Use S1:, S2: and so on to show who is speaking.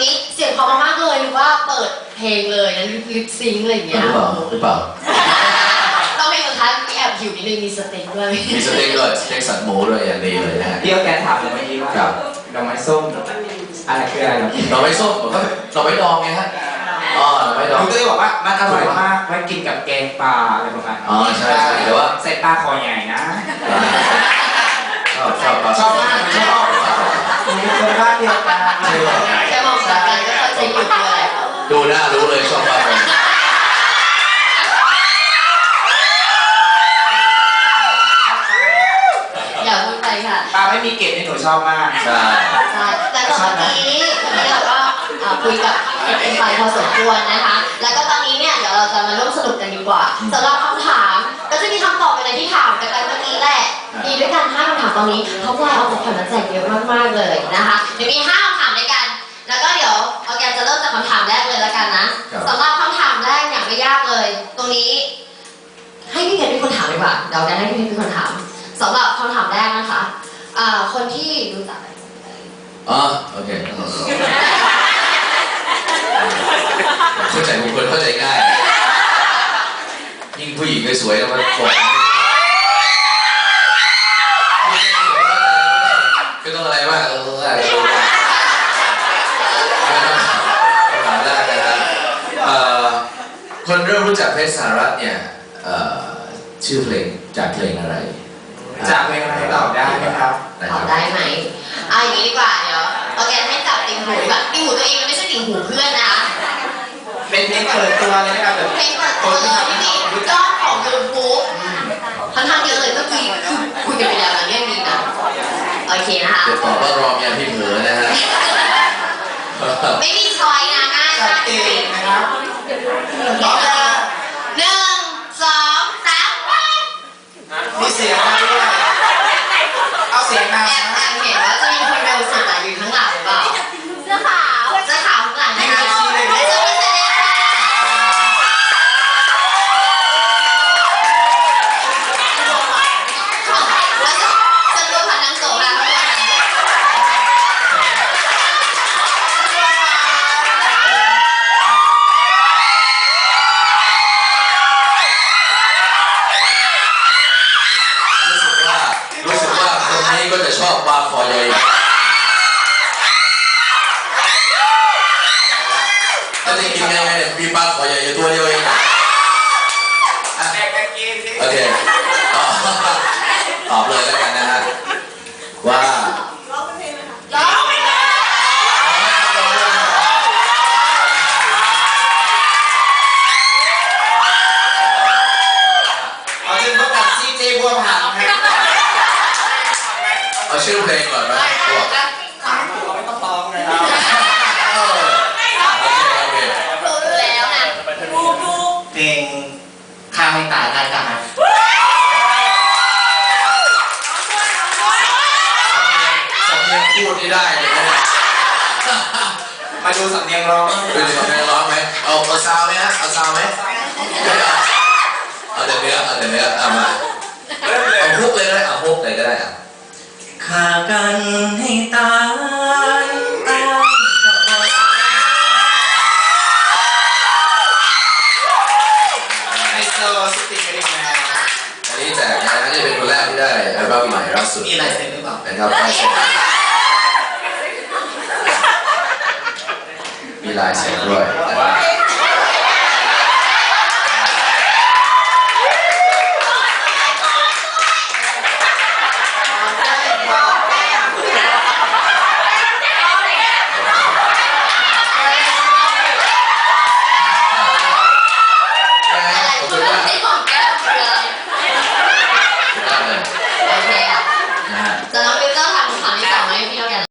S1: นี้เสียงเพราะมากเลยหรือว่าเปิดเพลงเลยนะลิปซิงค์อะไรอย่างเงี้ย
S2: หรือเปล่า
S1: ต้องเป็นสุดท้ายมีแอบหิวนิดนึงมีสเต็กด้วย
S2: มีสเต็กด้วยสเต็กสันหมูด้วยอย่างดีเลยนะฮะ
S3: พี่ก็แกถามเลยเมื่อกี้ว่าดอกไม้ส้มอะไรคืออะไรครับ
S2: ดอกไม้ส้มก็ดอกไม้ดองไงฮะอ๋อดอกไม้ดอง
S3: ผมก็เลยบอกว่ามันอร่อยมากไว้กินกับแกงปลาอะไรประมาณนี้
S2: อ๋อใช่แต่ว่า
S3: ใส่ปลาคอใหญ่นะ
S2: ชอบ
S3: มากชอบมีคนบ้านเดียวกัน
S1: แค่มองสายกันก็เข้าใจอยู่เลย
S2: ดูหน้ารู้เลยชอบปลาคอ
S1: อย่าพูดไปค่ะ
S3: ปลาไม่มีเกล็ดนี่หนูชอบมาก
S2: ใช่
S1: แต่ตอนนี้เราก็คุยกับเป็นไปพอสมควรนะคะแล้วก็ตอนนี้เนี่ยเดี๋ยวเราจะมาร่วมสนุกกันดีกว่าสำหรับคำถามก็จะมีคำตอบอะไรที่ถามกันไปเมื่อกี้แหละมีด้วยกัน5คำถามตอนนี้เขาไลน์เอาของขวัญมาแจกเยอะมากๆเลยนะคะเดี๋ยวมี5คำถามด้วยกันแล้วก็เดี๋ยวออร์แกนจะเริ่มจากคำถามแรกเลยแล้วกันนะสำหรับคำถามแรกเนี่ยไม่ยากเลยตรงนี้ให้พี่เพชรเป็นคนถามดีกว่าเดี๋ยวแกให้พี่เพชรเป็นคนถามสำหรับคำถามแรกนะคะคนที่รู้จัก
S2: อ๋อโอเคเข้าใจบุคคลเข้าใจง่ายยิ่งผู้หญิงสวยๆแล้วมันสวยก็ต้องอะไรมากคนเริ่มรู้จักเพชรสหรัฐเนี่ยชื่อเพลงจากเพลงอะไร
S3: จากเพลงอะไรตอบได้ไหมครับ
S1: ตอบได้ไหมอย่างนี้ดีกว่าเดี๋ยวโอเคให้จับติ่งหูแบบติ่งหูตัวเองมันไม่ใช่ติ่งหูเพื่อนนะคะ
S3: เป็นเพลงเปิดตัวเลยนะครับ
S1: เพลงเปิดตัวเลยที่มียอดของยูทูบค่อนข้างเยอะเลยเมื่อกี้คุยกันไปแล้วนะเนี่ยมีนะโอเคนะคะ
S2: จะตอบว่ารอมยาพี่เผลอนะฮะ
S1: ไม่มีช้อยนะง่ายมาก
S3: เองนะครับ
S1: 1 2 3
S3: มีเสียงมาด้วยเอาเสียงมา
S1: แอบเห็นว่าจะมีคนเร็วสุดอยู่ข้างหลังหรือเปล่าเสื้อขาวข้างหลังนะคะไม่ใช่ไม่ใช่ฉันรู้ผ่านทางโสดแล้ว
S2: ก็จะชอบปลาคอใหญ่ถ้าจะกินยังไงเนี่ยมีปลาคอใหญ่อยู่ตัวเดียวเองโอเคตอบเลยแล้วกันนะฮะว่า
S3: เอาชื่อพวกกับซีเจบัวผัน
S2: เอาชื่อเพลงก่อนไหม
S3: ไม่ต้องร้องเลยครับ
S1: รู้แล้วนะ
S3: เพลงข้าวให้ตายได้กันนะ
S2: สำเนียงพูดนี่ได้เลยนะ
S3: มาดูสำเนียงร้อง
S2: ดูสำเนียงร้องไหมเอาซาวไหมฮะเอาซาวไหมเอาแต่เนื้อมาเอาฮุกเลยก็ได้เอาฮุกเลยก็ได้
S3: ฆ่ากันให้ตายไฮโซสติกเกอร์แมน
S2: อันนี้แจกนะน่าจะเป็นคนแรกที่ได้อัลบั้มใหม่ล่าสุด
S3: มีลายเซ็นหรือเปล่า
S2: นะครับมีลายเซ็นด้วย